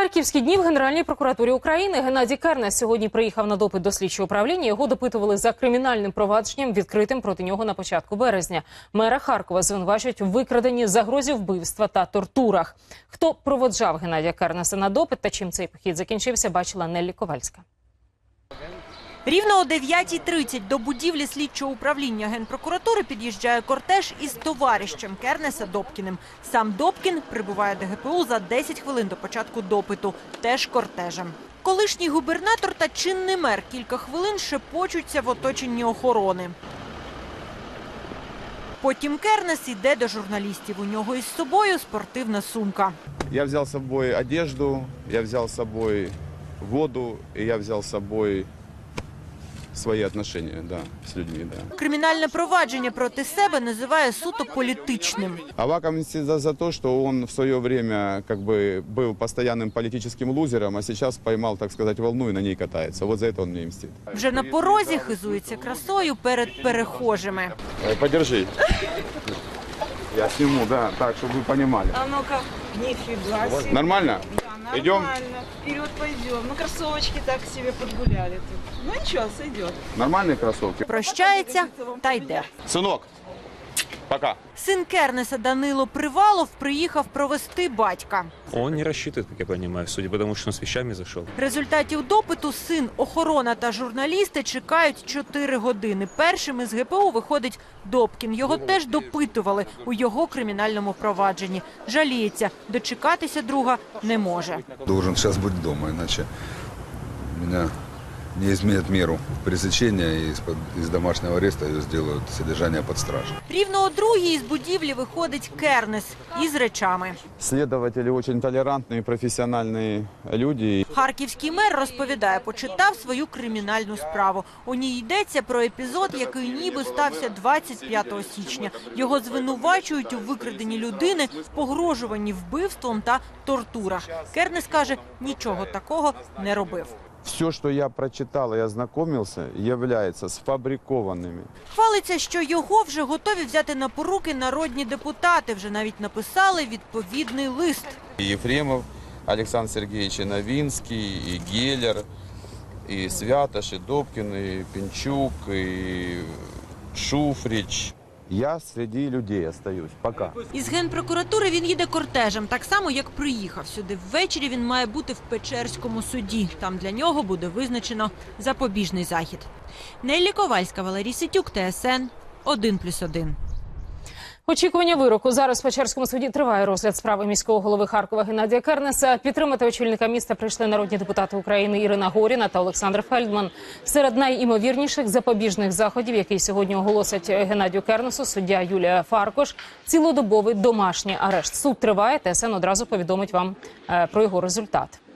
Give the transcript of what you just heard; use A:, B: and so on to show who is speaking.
A: Харківські дні в Генеральній прокуратурі України. Геннадій Кернес сьогодні приїхав на допит до слідчого управління. Його допитували за кримінальним провадженням, відкритим проти нього на початку березня. Мера Харкова звинувачують у викраденні, загрозі вбивства та тортурах. Хто проводжав Геннадія Кернеса на допит та чим цей похід закінчився, бачила Неллі Ковальська.
B: Рівно о 9:30 до будівлі слідчого управління Генпрокуратури під'їжджає кортеж із товаришем Кернеса Добкіним. Сам Добкін прибуває до ГПУ за 10 хвилин до початку допиту, теж кортежем. Колишній губернатор та чинний мер кілька хвилин шепочуться в оточенні охорони. Потім Кернес йде до журналістів. У нього із собою спортивна сумка.
C: Я взял с собой одежду, я взял с собой воду, и я взял с собой свои отношения, да, с людьми, да.
B: Кримінальне провадження проти себе називає суто політичним.
C: Аваков мстит за то, что он в свое время как бы был постоянным политическим лузером, а сейчас поймал, так сказать, волну и на ней катается. Вот за это он мне мстит.
B: Вже на порозі хизується красою перед перехожими.
C: Подержи. Я сниму, да, так, чтобы вы понимали.
D: А ну-ка, нифига себе.
C: Нормально?
D: Да,
C: Идем?
D: нормально. Вперед пойдем. Ну, кроссовочки так себе подгуляли тут. Ну ничего, сойдет.
C: Нормальные кроссовки?
B: Прощається та йде.
C: Сынок, пока.
B: Син Кернеса Данило Привалов приїхав провести батька.
E: Он не рассчитывает, как я понимаю, судя по тому, что он с вещами зашел.
B: Результатів допиту син, охорона та журналісти чекають 4 години. Першим із ГПУ виходить Добкін. Його теж допитували у його кримінальному провадженні. Жаліється, дочекатися друга не може.
F: Должен сейчас быть дома, иначе меня не изменят меру пресечения и из домашнего ареста ее сделают содержание под стражей.
B: Рівно о 2:00 із будівлі виходить Кернес із речами.
C: Следователи очень толерантные, профессиональные люди.
B: Харківський мер розповідає, почитав свою кримінальну справу. У ній йдеться про епізод, який ніби стався 25 січня. Його звинувачують у викраденні людини, погрожуванні вбивством та тортурах. Кернес каже, нічого такого не робив.
C: Все, что я прочитал и ознакомился, является сфабрикованными.
B: Хвалиться, що його вже готові взяти на поруки народні депутати. Вже навіть написали відповідний лист.
G: И Ефремов, Александр Сергеевич, и Новинский, и Геллер, и Святош, и Добкин, и Пинчук, и Шуфрич.
C: Я среди людей остаюсь. Пока.
B: Із Генпрокуратури він їде кортежем, так само, як приїхав сюди. Ввечері він має бути в Печерському суді. Там для нього буде визначено запобіжний захід. Неллі Ковальська, Валерій Ситюк, ТСН 1+1.
A: Очікування вироку. Зараз в Печерському суді триває розгляд справи міського голови Харкова Геннадія Кернеса. Підтримати очільника міста прийшли народні депутати України Ірина Горіна та Олександр Фельдман. Серед найімовірніших запобіжних заходів, які сьогодні оголосять Геннадію Кернесу, суддя Юлія Фаркош, цілодобовий домашній арешт. Суд триває, ТСН одразу повідомить вам про його результат.